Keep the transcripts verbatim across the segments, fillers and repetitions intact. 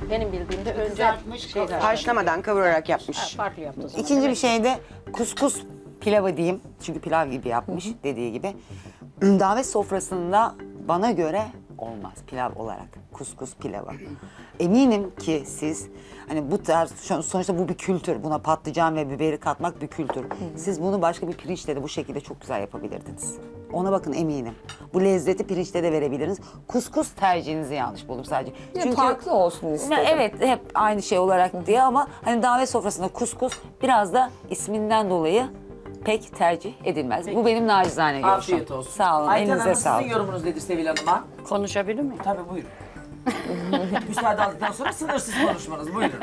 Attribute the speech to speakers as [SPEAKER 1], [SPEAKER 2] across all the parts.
[SPEAKER 1] Benim bildiğimde önce
[SPEAKER 2] Kızartmış,
[SPEAKER 1] şeyler.
[SPEAKER 3] Haşlamadan kavurarak yapmış.
[SPEAKER 1] Ha, farklı yaptı o zaman.
[SPEAKER 4] İkinci bir
[SPEAKER 1] Demek
[SPEAKER 4] şey de kuskus pilavı diyeyim. Çünkü pilav gibi yapmış dediği gibi. Davet sofrasında bana göre olmaz pilav olarak. Kuskus pilavı. Eminim ki siz hani bu tarz sonuçta bu bir kültür. Buna patlıcan ve biberi katmak bir kültür. Siz bunu başka bir pirinçle de bu şekilde çok güzel yapabilirdiniz. Ona bakın eminim. Bu lezzeti pirinçte de verebilirsiniz. Kuskus tercihinizi yanlış buldum sadece.
[SPEAKER 5] Çünkü farklı olsun istedim.
[SPEAKER 4] Evet hep aynı şey olarak diye ama hani davet sofrasında kuskus biraz da isminden dolayı pek tercih edilmez. Bu benim nacizane görüşüm.
[SPEAKER 2] Afiyet olsun.
[SPEAKER 4] Sağ olun,
[SPEAKER 2] Ayten
[SPEAKER 4] elinize
[SPEAKER 2] Hanım
[SPEAKER 4] sağlık.
[SPEAKER 2] sizin yorumunuz nedir Sevil Hanım'a?
[SPEAKER 1] Konuşabilir miyim?
[SPEAKER 2] Tabii buyurun. Müsaade aldıktan sonra sınırsız konuşmanız buyurun.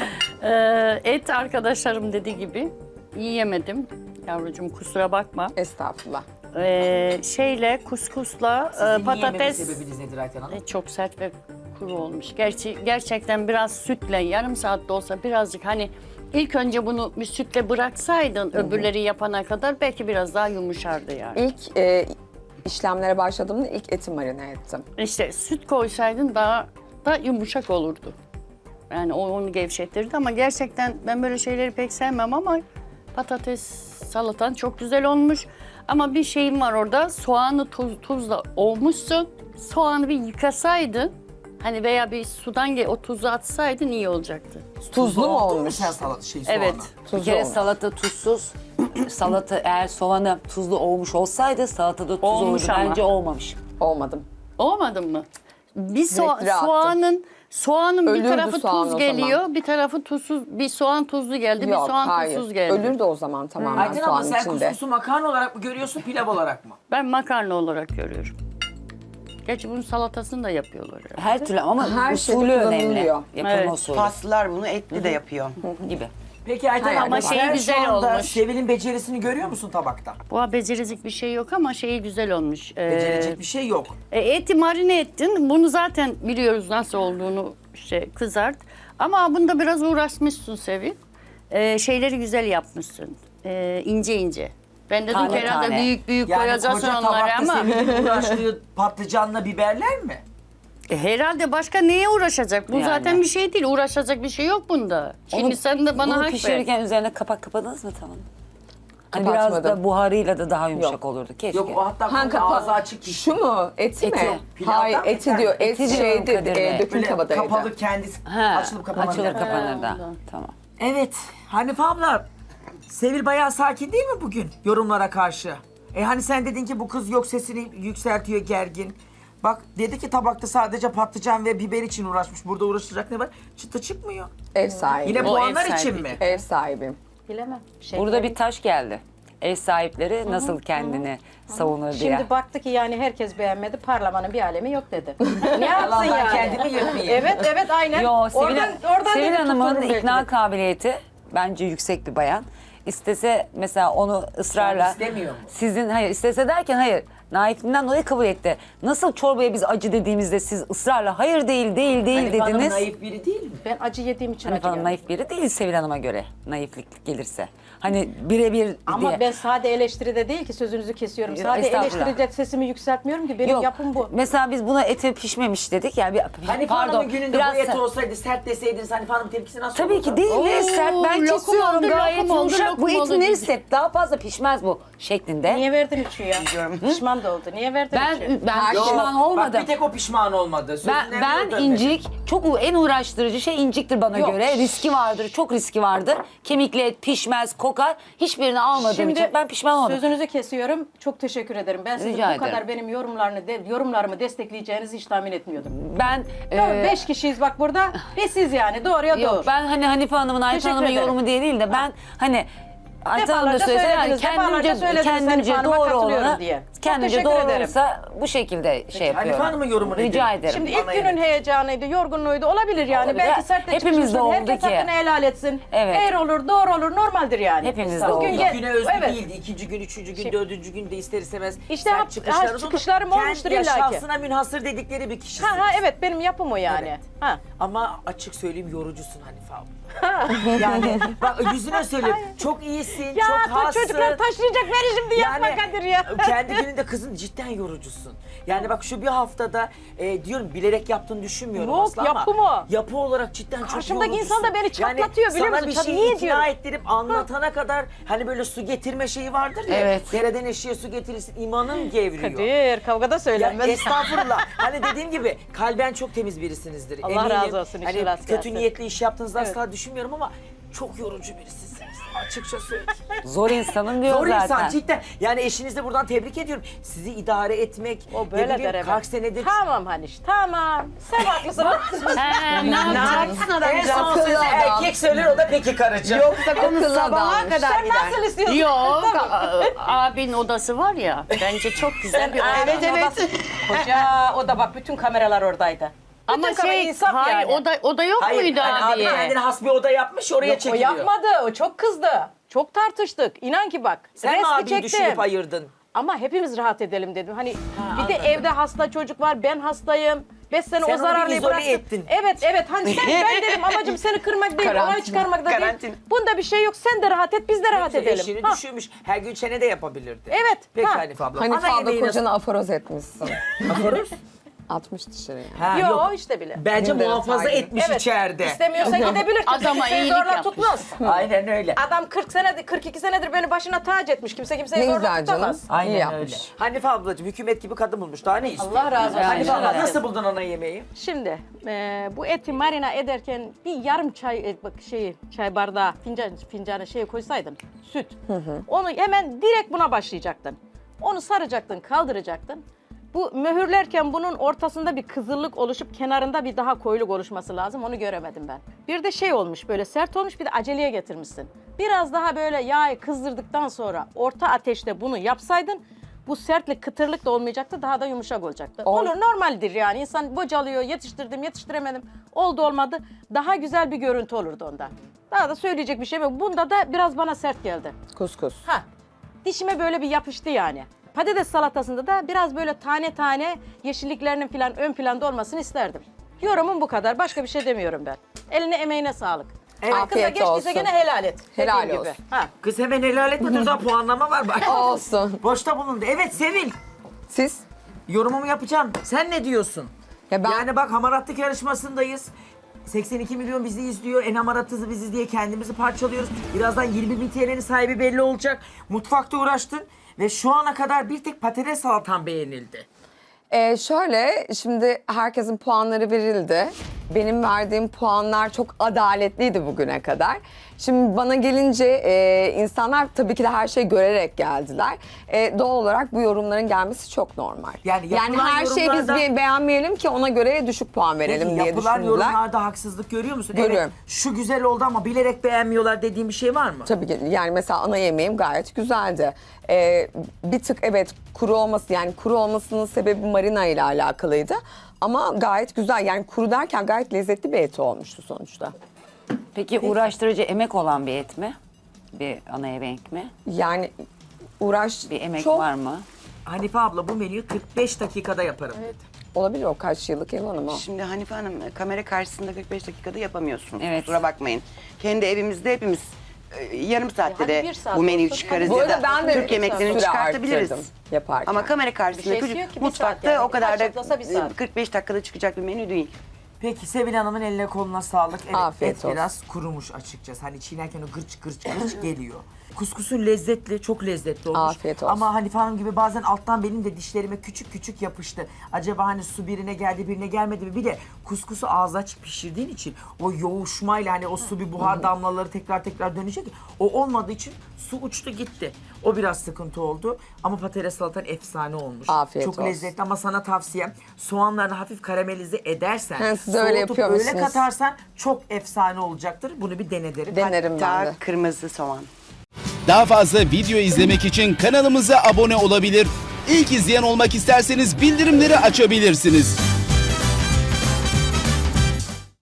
[SPEAKER 1] Ee, et arkadaşlarım dediği gibi yiyemedim. Yavrucuğum kusura bakma.
[SPEAKER 5] Estağfurullah.
[SPEAKER 1] Ee, şeyle kuskusla
[SPEAKER 2] Sizin
[SPEAKER 1] e,
[SPEAKER 2] yiyememe
[SPEAKER 1] patates
[SPEAKER 2] sebebiniz nedir Ayten Hanım?
[SPEAKER 1] e, çok sert ve kuru olmuş. Gerçi gerçekten biraz sütle yarım saat de olsa birazcık hani ilk önce bunu bir sütle bıraksaydın öbürleri yapana kadar belki biraz daha yumuşardı yani.
[SPEAKER 5] İlk e, işlemlere başladığımda ilk eti marine ettim.
[SPEAKER 1] İşte süt koysaydın daha da yumuşak olurdu. Yani o onu gevşetirdi ama gerçekten ben böyle şeyleri pek sevmem ama patates salatan çok güzel olmuş. Ama bir şeyim var orada, soğanı tuz, tuzla ovmuşsun. Soğanı bir yıkasaydın, hani veya bir sudan ge- o tuzu atsaydın iyi olacaktı.
[SPEAKER 5] Tuzlu mu
[SPEAKER 2] Oldu
[SPEAKER 5] olmuş?
[SPEAKER 2] sen salat şey soğanı?
[SPEAKER 1] Evet.
[SPEAKER 4] Bir
[SPEAKER 5] Tuzlu
[SPEAKER 4] kere
[SPEAKER 5] olmuş.
[SPEAKER 4] salata tuzsuz. Salata eğer soğanı tuzlu olmuş olsaydı salatada tuz
[SPEAKER 1] Olmuş
[SPEAKER 4] olurdu.
[SPEAKER 1] ama.
[SPEAKER 4] Bence olmamış.
[SPEAKER 5] Olmadım.
[SPEAKER 1] Olmadın mı? Bir soğa-
[SPEAKER 5] Renkli attım.
[SPEAKER 1] soğanın soğanın
[SPEAKER 5] Ölürdü
[SPEAKER 1] bir tarafı
[SPEAKER 5] soğan o
[SPEAKER 1] tuz
[SPEAKER 5] zaman.
[SPEAKER 1] geliyor, bir tarafı tuzsuz, bir soğan tuzlu geldi,
[SPEAKER 5] Yok
[SPEAKER 1] bir soğan
[SPEAKER 5] hayır.
[SPEAKER 1] tuzsuz geldi.
[SPEAKER 5] Ölürdü o zaman tamamen
[SPEAKER 2] Ayten abla
[SPEAKER 5] soğanın
[SPEAKER 2] sen
[SPEAKER 5] içinde.
[SPEAKER 2] kuskusu makarna olarak mı görüyorsun pilav olarak mı?
[SPEAKER 1] Ben makarna olarak görüyorum. Gerçi bunun salatasını da yapıyorlar. Yani.
[SPEAKER 4] Her türlü ama
[SPEAKER 5] Her şeyde
[SPEAKER 4] usulü önemli.
[SPEAKER 5] kullanılıyor.
[SPEAKER 4] Yapılma
[SPEAKER 1] Evet.
[SPEAKER 4] usulü
[SPEAKER 3] Paslılar bunu etli de yapıyor.
[SPEAKER 4] gibi.
[SPEAKER 2] Peki Ayten
[SPEAKER 5] Hayır,
[SPEAKER 2] abla
[SPEAKER 5] ama
[SPEAKER 1] şeyi
[SPEAKER 2] sen
[SPEAKER 1] güzel
[SPEAKER 2] şu anda
[SPEAKER 1] olmuş.
[SPEAKER 2] Sevil'in becerisini görüyor musun tabakta?
[SPEAKER 1] Bu becerecek bir şey yok ama şeyi güzel olmuş. Ee,
[SPEAKER 2] Becerecek bir şey yok.
[SPEAKER 1] e, eti marine ettin. Bunu zaten biliyoruz nasıl olduğunu işte kızart. Ama bunda biraz uğraşmışsın Sevil. Ee, şeyleri güzel yapmışsın. Ee, ince ince. Ben dedim
[SPEAKER 4] Tane
[SPEAKER 1] ki herhalde
[SPEAKER 4] tane.
[SPEAKER 1] büyük büyük
[SPEAKER 2] Yani
[SPEAKER 1] koyacaksın
[SPEAKER 2] koca
[SPEAKER 1] onları
[SPEAKER 2] tabakta
[SPEAKER 1] ama.
[SPEAKER 2] Sevil'in uğraştığı patlıcanla biberler mi?
[SPEAKER 1] E, herhalde başka neye uğraşacak? Bu
[SPEAKER 4] Yani.
[SPEAKER 1] zaten bir şey değil. Uğraşacak bir şey yok bunda. Şimdi
[SPEAKER 4] Onu-
[SPEAKER 1] sen de bana
[SPEAKER 4] Bunu
[SPEAKER 1] hak ver.
[SPEAKER 4] pişirirken üzerine kapak kapadınız mı tamam? Hani biraz
[SPEAKER 5] Kapatmadım.
[SPEAKER 4] da buharıyla da daha yumuşak
[SPEAKER 5] Yok.
[SPEAKER 4] olurdu. Keşke.
[SPEAKER 2] Yok o hatta
[SPEAKER 5] Hangi
[SPEAKER 2] konuda
[SPEAKER 5] kapa-
[SPEAKER 2] ağzı açık pişti.
[SPEAKER 5] Şu mu? Eti,
[SPEAKER 4] Eti.
[SPEAKER 5] mi?
[SPEAKER 2] Pilavdan
[SPEAKER 5] Hayır
[SPEAKER 2] mı?
[SPEAKER 5] eti diyor. Et
[SPEAKER 4] Eti diyorum
[SPEAKER 5] şeydi
[SPEAKER 4] Kadir
[SPEAKER 5] e,
[SPEAKER 4] Bey.
[SPEAKER 5] döküm
[SPEAKER 2] Böyle
[SPEAKER 5] tavadaydı.
[SPEAKER 2] kapalı kendisi
[SPEAKER 4] Ha,
[SPEAKER 2] açılıp kapanabilir.
[SPEAKER 4] açılır kapanır da.
[SPEAKER 1] ondan.
[SPEAKER 4] Tamam.
[SPEAKER 2] Evet Hanife abla Sevil bayağı sakin değil mi bugün yorumlara karşı? E hani sen dedin ki bu kız yok sesini yükseltiyor gergin. Bak dedi ki tabakta sadece patlıcan ve biber için uğraşmış. Burada uğraşacak ne var? Çıtı çıkmıyor.
[SPEAKER 5] Ev sahibi.
[SPEAKER 2] Yine
[SPEAKER 1] O
[SPEAKER 2] puanlar
[SPEAKER 1] ev
[SPEAKER 2] için
[SPEAKER 1] sahibi.
[SPEAKER 2] mi?
[SPEAKER 5] Ev sahibim.
[SPEAKER 6] Bilemem. Şey
[SPEAKER 4] Burada bir taş geldi. Ev sahipleri nasıl kendini savunur diye.
[SPEAKER 6] Şimdi baktı ki yani herkes beğenmedi, parlamanın bir alemi yok dedi. Ne yapsın
[SPEAKER 2] Yalandan
[SPEAKER 6] yani?
[SPEAKER 2] kendimi yırtmayayım.
[SPEAKER 6] Evet, evet aynen.
[SPEAKER 4] Yo, Sevil,
[SPEAKER 6] oradan oradan
[SPEAKER 4] Sevil
[SPEAKER 6] dedi,
[SPEAKER 4] Hanım'ın
[SPEAKER 6] tuturum belki
[SPEAKER 4] ikna
[SPEAKER 6] de.
[SPEAKER 4] kabiliyeti bence yüksek bir bayan. İstese mesela onu ısrarla...
[SPEAKER 2] Yani istemiyor mu?
[SPEAKER 4] Sizin, hayır istese derken hayır. Naifliğinden dolayı kabul etti. Nasıl çorbaya biz acı dediğimizde siz ısrarla hayır değil değil değil
[SPEAKER 2] Hanife Hanım
[SPEAKER 4] dediniz.
[SPEAKER 2] naif biri değil mi?
[SPEAKER 6] Ben acı yediğim için
[SPEAKER 4] Hanife
[SPEAKER 6] acı
[SPEAKER 4] Hanım
[SPEAKER 6] geldi.
[SPEAKER 4] naif biri değil Sevil Hanım'a göre naiflik gelirse. Hani birebir
[SPEAKER 6] Ama
[SPEAKER 4] diye.
[SPEAKER 6] ben sade eleştiride değil ki sözünüzü kesiyorum.
[SPEAKER 4] Yok,
[SPEAKER 6] Sade
[SPEAKER 4] estağfurullah.
[SPEAKER 6] eleştiride sesimi yükseltmiyorum ki benim
[SPEAKER 4] Yok.
[SPEAKER 6] yapım bu.
[SPEAKER 4] Mesela biz buna eti pişmemiş dedik ya. Bir,
[SPEAKER 2] Hanife
[SPEAKER 4] pardon.
[SPEAKER 2] Hanım'ın gününde
[SPEAKER 4] biraz
[SPEAKER 2] bu et
[SPEAKER 4] se-
[SPEAKER 2] olsaydı sert deseydiniz Hanife Hanım tepkisi nasıl
[SPEAKER 4] Tabii
[SPEAKER 2] olurdu?
[SPEAKER 4] ki değil mi? Sert ben
[SPEAKER 1] lokum
[SPEAKER 4] kesiyorum
[SPEAKER 1] oldu,
[SPEAKER 4] gayet
[SPEAKER 1] lokum oldu,
[SPEAKER 4] yumuşak.
[SPEAKER 1] lokum
[SPEAKER 4] Bu etin
[SPEAKER 1] oldu
[SPEAKER 4] neresi
[SPEAKER 1] dedi.
[SPEAKER 4] sert? Daha fazla pişmez bu şeklinde.
[SPEAKER 6] Niye verdin üçü ya? Pişman da oldu. Niye verdin
[SPEAKER 4] Ben
[SPEAKER 6] üçü?
[SPEAKER 4] ben
[SPEAKER 2] Yok,
[SPEAKER 4] pişman
[SPEAKER 2] Bak
[SPEAKER 4] olmadım.
[SPEAKER 2] bir tek o pişman olmadı. Sözün
[SPEAKER 4] Ben
[SPEAKER 2] en
[SPEAKER 4] ben
[SPEAKER 2] doğru
[SPEAKER 4] incik çok u- en uğraştırıcı şey inciktir bana
[SPEAKER 6] Yok.
[SPEAKER 4] göre. Riski vardır. Çok riski vardır. Kemikli et pişmez, kokar. Hiçbirini almadığım için ben pişman olmadım.
[SPEAKER 6] Sözünüzü kesiyorum. Çok teşekkür ederim. Ben sizin
[SPEAKER 4] Rica
[SPEAKER 6] bu
[SPEAKER 4] ederim.
[SPEAKER 6] kadar benim yorumlarını de, yorumlarımı destekleyeceğinizi hiç tahmin etmiyordum.
[SPEAKER 4] Ben
[SPEAKER 6] Doğru,
[SPEAKER 4] e,
[SPEAKER 6] beş kişiyiz bak burada. Ve siz yani doğruya
[SPEAKER 4] yok
[SPEAKER 6] doğru.
[SPEAKER 4] ben hani Hanife Hanım'ın, Ayşe
[SPEAKER 6] Teşekkür
[SPEAKER 4] Hanım'ın
[SPEAKER 6] ederim.
[SPEAKER 4] yorumu diye değil de ben hani Ayşe Hanım da
[SPEAKER 6] Defalarca
[SPEAKER 4] söylese yani
[SPEAKER 6] söylediniz, defalarca
[SPEAKER 4] kendimce,
[SPEAKER 6] söylediniz Hanife
[SPEAKER 4] kendimce
[SPEAKER 6] Hanım'a
[SPEAKER 4] doğru
[SPEAKER 6] katılıyorum
[SPEAKER 4] olanı
[SPEAKER 6] diye. Çok
[SPEAKER 4] kendimce
[SPEAKER 6] teşekkür
[SPEAKER 4] doğru
[SPEAKER 6] ederim.
[SPEAKER 4] olursa bu şekilde şey
[SPEAKER 2] Hanife
[SPEAKER 4] yapıyorum.
[SPEAKER 2] Hanım'ın yorumu nedir?
[SPEAKER 4] Rica ederim.
[SPEAKER 6] Şimdi
[SPEAKER 2] Bana
[SPEAKER 6] ilk günün
[SPEAKER 2] yemin.
[SPEAKER 6] heyecanıydı, yorgunluğuydu. Olabilir yani.
[SPEAKER 4] Olabilir.
[SPEAKER 6] Belki sert de
[SPEAKER 4] Hepimizde
[SPEAKER 6] çıkmışsın.
[SPEAKER 4] oldu
[SPEAKER 6] Herkes
[SPEAKER 4] ki.
[SPEAKER 6] hakkını helal etsin.
[SPEAKER 4] Evet.
[SPEAKER 6] Eğer olur, doğru olur, normaldir yani.
[SPEAKER 4] Hepimizde
[SPEAKER 6] Bugün
[SPEAKER 4] oldu.
[SPEAKER 6] gel-
[SPEAKER 2] İlk güne özgü
[SPEAKER 6] evet.
[SPEAKER 2] değildi. İkinci gün, üçüncü gün,
[SPEAKER 6] Şey-
[SPEAKER 2] dördüncü gün de ister istemez
[SPEAKER 6] İşte
[SPEAKER 2] sert
[SPEAKER 6] hap-
[SPEAKER 2] çıkışları
[SPEAKER 6] ha,
[SPEAKER 2] oldu.
[SPEAKER 6] çıkışlarım olmuştur
[SPEAKER 2] Kendi
[SPEAKER 6] illaki.
[SPEAKER 2] şahsına münhasır dedikleri bir kişisiniz.
[SPEAKER 6] Ha ha evet benim yapım o yani.
[SPEAKER 2] Evet.
[SPEAKER 6] Ha.
[SPEAKER 2] Ama açık söyleyeyim yorucusun Hanife abla. Yani bak yüzüne söyleyeyim. Çok iyisin,
[SPEAKER 6] Ya
[SPEAKER 2] çok
[SPEAKER 6] bu
[SPEAKER 2] hassın.
[SPEAKER 6] çocuklar taşıyacak beni şimdi yapma Kadir ya.
[SPEAKER 2] Kendi gününde senin de kızın cidden yorucusun. Yani bak şu bir haftada e, diyorum bilerek yaptığını düşünmüyorum
[SPEAKER 6] Yok,
[SPEAKER 2] aslında ama.
[SPEAKER 6] yapı mı?
[SPEAKER 2] Yapı olarak cidden çok
[SPEAKER 6] Karşımdaki
[SPEAKER 2] yorucusun.
[SPEAKER 6] insan da beni çatlatıyor, biliyor
[SPEAKER 2] sana
[SPEAKER 6] musun?
[SPEAKER 2] bir
[SPEAKER 6] Çat-
[SPEAKER 2] şeyi
[SPEAKER 6] niye
[SPEAKER 2] ikna
[SPEAKER 6] diyorum?
[SPEAKER 2] ettirip anlatana kadar hani böyle su getirme şeyi vardır ya.
[SPEAKER 1] Evet.
[SPEAKER 2] Dereden eşeğe su getirirsin imanın gevriyor.
[SPEAKER 6] Kadir kavgada
[SPEAKER 2] Ya
[SPEAKER 6] söylenmez.
[SPEAKER 2] estağfurullah. Hani dediğim gibi kalben çok temiz birisinizdir.
[SPEAKER 6] Allah
[SPEAKER 2] Eminim.
[SPEAKER 6] razı olsun, işin
[SPEAKER 2] Hani
[SPEAKER 6] rast
[SPEAKER 2] kötü
[SPEAKER 6] gelsin.
[SPEAKER 2] niyetli iş yaptığınızı asla düşünmüyorum ama çok yorucu birisiniz. Açıkça söyleyeyim.
[SPEAKER 4] Zor insanım diyor
[SPEAKER 2] Zor
[SPEAKER 4] zaten.
[SPEAKER 2] insan cidden. Yani eşinizi de buradan tebrik ediyorum. Sizi idare etmek.
[SPEAKER 6] O
[SPEAKER 2] ne
[SPEAKER 6] böyle
[SPEAKER 2] bileyim,
[SPEAKER 6] der hemen.
[SPEAKER 2] kaç senedir.
[SPEAKER 6] Tamam Haniş, tamam. Sen haklısın.
[SPEAKER 1] He, ne yapacaksın?
[SPEAKER 2] En son sözü erkek söyler o da peki karıcığım.
[SPEAKER 3] Yoksa konu
[SPEAKER 5] Akıllı
[SPEAKER 3] sabaha
[SPEAKER 5] adammış.
[SPEAKER 3] kadar
[SPEAKER 6] Sen
[SPEAKER 3] gider.
[SPEAKER 6] nasıl istiyorsun?
[SPEAKER 1] Yok, a- abinin odası var ya, bence çok güzel bir oda.
[SPEAKER 6] Evet evet. Koca o da bak bütün kameralar oradaydı.
[SPEAKER 1] Ama
[SPEAKER 6] Bütün kamera
[SPEAKER 1] şey,
[SPEAKER 6] insaf
[SPEAKER 1] hayır,
[SPEAKER 6] yani.
[SPEAKER 1] o da, o da yok
[SPEAKER 2] Hayır,
[SPEAKER 1] muydu
[SPEAKER 2] hani abi
[SPEAKER 1] abiye?
[SPEAKER 2] kendine has bir oda yapmış oraya
[SPEAKER 6] Yok, o
[SPEAKER 2] çekiliyor.
[SPEAKER 6] yapmadı. O çok kızdı. Çok tartıştık. İnan ki bak.
[SPEAKER 2] Sen mi
[SPEAKER 6] resmi
[SPEAKER 2] abiyi
[SPEAKER 6] çektim.
[SPEAKER 2] düşünüp ayırdın?
[SPEAKER 6] Ama hepimiz rahat edelim dedim. Hani bir
[SPEAKER 2] anladım.
[SPEAKER 6] de evde hasta çocuk var. Ben hastayım. Beş sene
[SPEAKER 2] Sen
[SPEAKER 6] o
[SPEAKER 2] onu bir
[SPEAKER 6] zararlıyı
[SPEAKER 2] izole
[SPEAKER 6] bıraktım.
[SPEAKER 2] ettin.
[SPEAKER 6] Evet evet. Hani sen ben dedim amacım seni kırmak değil. Olay
[SPEAKER 5] Karantina.
[SPEAKER 6] çıkarmak da değil.
[SPEAKER 3] Karantina.
[SPEAKER 6] Bunda bir şey yok. Sen de rahat et. Biz de rahat edelim.
[SPEAKER 2] Eşini
[SPEAKER 6] Ha.
[SPEAKER 2] düşünmüş. Her gün çene de yapabilirdi.
[SPEAKER 6] Evet,
[SPEAKER 2] Peki
[SPEAKER 6] ha.
[SPEAKER 2] Hanife abla.
[SPEAKER 5] Hanife
[SPEAKER 2] Ana
[SPEAKER 5] abla
[SPEAKER 2] yemeği nasıl-
[SPEAKER 5] kocanı aforoz etmişsin.
[SPEAKER 2] Aforoz?
[SPEAKER 5] Atmış dışarıya.
[SPEAKER 2] Ha,
[SPEAKER 6] Yo
[SPEAKER 2] yok.
[SPEAKER 6] işte bile.
[SPEAKER 2] Bence
[SPEAKER 5] Benim de
[SPEAKER 2] muhafaza
[SPEAKER 5] saygı.
[SPEAKER 2] etmiş
[SPEAKER 6] Evet.
[SPEAKER 2] içeride.
[SPEAKER 6] İstemiyorsa gidebilir.
[SPEAKER 1] Adama
[SPEAKER 6] Kimse
[SPEAKER 1] iyilik
[SPEAKER 6] zorla
[SPEAKER 1] yapmış.
[SPEAKER 6] tutmaz.
[SPEAKER 2] Aynen öyle.
[SPEAKER 6] Adam kırk senedir, kırk iki senedir beni başına tac etmiş. Kimse kimseyi
[SPEAKER 5] Ne
[SPEAKER 6] zorla
[SPEAKER 5] güzel canım.
[SPEAKER 6] tutamaz.
[SPEAKER 2] Aynen
[SPEAKER 5] İyi
[SPEAKER 2] öyle.
[SPEAKER 5] yapmış.
[SPEAKER 2] Hanife ablacığım hükümet gibi kadın bulmuş. Daha ne istiyor?
[SPEAKER 6] Allah razı olsun.
[SPEAKER 2] Hanife abla
[SPEAKER 6] Allah razı
[SPEAKER 2] nasıl
[SPEAKER 6] olsun.
[SPEAKER 2] buldun ana yemeği?
[SPEAKER 6] Şimdi e, bu eti marina ederken bir yarım çay e, bak şeyi çay bardağı fincan fincanı şeye koysaydın süt. Onu hemen direkt buna başlayacaktın. Onu saracaktın, kaldıracaktın. Bu mühürlerken bunun ortasında bir kızıllık oluşup kenarında bir daha koyuluk oluşması lazım. Onu göremedim ben. Bir de şey olmuş böyle sert olmuş bir de aceleye getirmişsin. Biraz daha böyle yağı kızdırdıktan sonra orta ateşte bunu yapsaydın bu sertlik, kıtırlık da olmayacaktı. Daha da yumuşak olacaktı.
[SPEAKER 5] Ol-
[SPEAKER 6] Olur normaldir yani. İnsan bocalıyor, yetiştirdim, yetiştiremedim. Oldu olmadı. Daha güzel bir görüntü olurdu onda. Daha da söyleyecek bir şey yok. Bunda da biraz bana sert geldi.
[SPEAKER 5] Kuskus.
[SPEAKER 6] Ha. Dişime böyle bir yapıştı yani. Patates salatasında da biraz böyle tane tane yeşilliklerinin falan ön planda olmasını isterdim. Yorumum bu kadar. Başka bir şey demiyorum ben. Eline emeğine sağlık.
[SPEAKER 2] Evet.
[SPEAKER 6] Hakkında
[SPEAKER 5] Afiyet
[SPEAKER 6] geçtiyse
[SPEAKER 5] olsun.
[SPEAKER 6] gene helal et.
[SPEAKER 5] Helal
[SPEAKER 6] Dediğim gibi.
[SPEAKER 5] olsun.
[SPEAKER 6] Ha.
[SPEAKER 2] Kız hemen helal etme dur daha puanlama var bak.
[SPEAKER 5] Olsun.
[SPEAKER 2] Boşta bulundu. Evet Sevil.
[SPEAKER 5] Siz?
[SPEAKER 2] Yorumumu yapacağım. Sen ne diyorsun?
[SPEAKER 5] Ya ben
[SPEAKER 2] Yani bak hamaratlık yarışmasındayız. seksen iki milyon bizi izliyor. En hamaratlısı biziz diye kendimizi parçalıyoruz. Birazdan yirmi bin T L'nin sahibi belli olacak. Mutfakta uğraştın ve şu ana kadar bir tek patates salatan beğenildi.
[SPEAKER 5] Ee, şöyle, şimdi herkesin puanları verildi. Benim verdiğim puanlar çok adaletliydi bugüne kadar. Şimdi bana gelince e, insanlar tabii ki de her şeyi görerek geldiler. E, doğal olarak bu yorumların gelmesi çok normal.
[SPEAKER 2] Yani
[SPEAKER 5] Yani
[SPEAKER 2] yapılan
[SPEAKER 5] her şeyi biz
[SPEAKER 2] yorumlarda-
[SPEAKER 5] bir beğenmeyelim ki ona göre düşük puan verelim
[SPEAKER 2] Peki
[SPEAKER 5] diye
[SPEAKER 2] yapılan
[SPEAKER 5] düşündüler.
[SPEAKER 2] yorumlarda haksızlık görüyor musun?
[SPEAKER 5] Görüyorum.
[SPEAKER 2] Evet, şu güzel oldu ama bilerek beğenmiyorlar dediğim bir şey var mı?
[SPEAKER 5] Tabii ki yani mesela ana yemeğim gayet güzeldi. Ee, bir tık evet kuru olması yani kuru olmasının sebebi marina ile alakalıydı. Ama gayet güzel yani kuru derken gayet lezzetli bir et olmuştu sonuçta.
[SPEAKER 4] Peki uğraştırıcı emek olan bir et mi? Bir ana yemek mi?
[SPEAKER 5] Yani uğraş
[SPEAKER 4] Bir emek
[SPEAKER 5] çok
[SPEAKER 4] var mı?
[SPEAKER 2] Hanife abla bu menüyü kırk beş dakikada yaparım dedi.
[SPEAKER 5] olabilir o kaç yıllık ev hanımı.
[SPEAKER 3] Şimdi Hanife Hanım kamera karşısında kırk beş dakikada yapamıyorsunuz.
[SPEAKER 4] Evet.
[SPEAKER 3] Kusura bakmayın. Kendi evimizde hepimiz e, yarım saatte
[SPEAKER 6] hadi
[SPEAKER 3] de
[SPEAKER 6] bir saat
[SPEAKER 3] bu menüyü
[SPEAKER 6] olsun.
[SPEAKER 3] çıkarız
[SPEAKER 5] Bu
[SPEAKER 3] ya
[SPEAKER 5] arada
[SPEAKER 3] da
[SPEAKER 5] ben de
[SPEAKER 3] Türk yemeklerini
[SPEAKER 5] süre
[SPEAKER 3] çıkartabiliriz.
[SPEAKER 5] arttırdım yaparken.
[SPEAKER 3] Ama kamera
[SPEAKER 6] Bir
[SPEAKER 3] karşısında
[SPEAKER 6] şeysi
[SPEAKER 3] çocuk
[SPEAKER 6] yok ki, bir
[SPEAKER 3] mutfakta
[SPEAKER 6] saat yani.
[SPEAKER 3] o kadar da
[SPEAKER 6] Kaç bir saat.
[SPEAKER 3] e, kırk beş dakikada çıkacak bir menü değil.
[SPEAKER 2] Peki Sevil Hanım'ın eline koluna sağlık. Evet,
[SPEAKER 5] Afiyet
[SPEAKER 2] et
[SPEAKER 5] olsun.
[SPEAKER 2] biraz kurumuş açıkçası. Hani çiğnerken o gırç gırç gırç geliyor. Kuskusu lezzetli, çok lezzetli olmuş.
[SPEAKER 5] Afiyet olsun.
[SPEAKER 2] Ama Hanife Hanım gibi bazen alttan benim de dişlerime küçük küçük yapıştı. Acaba hani su birine geldi birine gelmedi mi? Bir de kuskusu ağza açık pişirdiğin için o yoğuşmayla hani o su bir buhar damlaları tekrar tekrar dönecek. O olmadığı için su uçtu gitti. O biraz sıkıntı oldu. Ama patates salatan efsane olmuş.
[SPEAKER 5] Afiyet
[SPEAKER 2] çok
[SPEAKER 5] olsun.
[SPEAKER 2] lezzetli ama sana tavsiyem soğanlarını hafif karamelize edersen,
[SPEAKER 5] Ha, siz öyle
[SPEAKER 2] soğutup
[SPEAKER 5] yapıyor
[SPEAKER 2] öyle
[SPEAKER 5] musunuz?
[SPEAKER 2] katarsan çok efsane olacaktır. Bunu bir dene derim.
[SPEAKER 5] Denerim ben de.
[SPEAKER 3] Hatta kırmızı soğan.
[SPEAKER 7] Daha fazla video izlemek için kanalımıza abone olabilir. İlk izleyen olmak isterseniz bildirimleri açabilirsiniz.